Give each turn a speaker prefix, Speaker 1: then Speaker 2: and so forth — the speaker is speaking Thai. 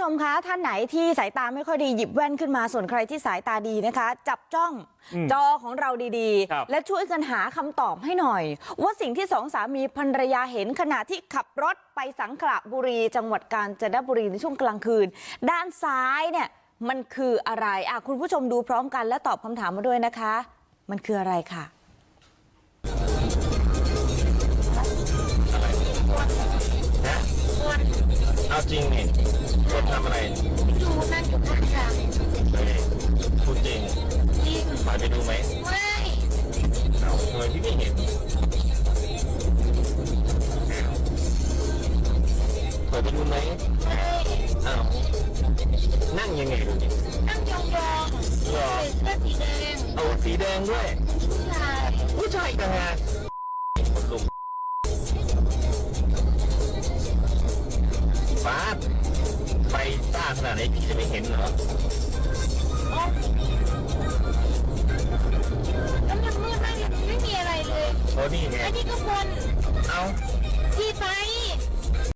Speaker 1: มคะท่านไหนที่สายตาไม่ค่อยดีหยิบแว่นขึ้นมาส่วนใครที่สายตาดีนะคะจับจ้องจอของเราดีๆและช่วยกันหาคำตอบให้หน่อยว่าสิ่งที่สองสามีภรรยาเห็นขณะที่ขับรถไปสังขละบุรีจังหวัดกาญจนบุรีในช่วงกลางคืนด้านซ้ายเนี่ยมันคืออะไรคุณผู้ชมดูพร้อมกันและตอบคำถามมาด้วยนะคะมันคืออะไรค่ะ
Speaker 2: เอาจริงนี่คนทำอะไร
Speaker 3: ดูนั่นอยู่ข้างทาง
Speaker 2: พูดจริง
Speaker 3: จริง
Speaker 2: ไปดูไหม
Speaker 3: ไม่
Speaker 2: เอาทำไมพี่ไม่เห็นเปิดไปดูไหม
Speaker 3: ไม่
Speaker 2: อ้าวนั่งยังไงดูดิ
Speaker 3: นั่งยอง
Speaker 2: หรอ
Speaker 3: ใส่เสื้อสีแดง
Speaker 2: เอาสีแดงด้วย
Speaker 3: ผู้ชาย
Speaker 2: ผู้ชายกันฮะคนลุกฟ้าไฟต้าขนาดไหนพี่จะไม่เห็นเหรอ
Speaker 3: แล้วมันมืดมากเลยไม่มีอะไรเลย
Speaker 2: โอ้นี่ไง
Speaker 3: ไอ้ที่ก็บน
Speaker 2: เอา
Speaker 3: ที่ไป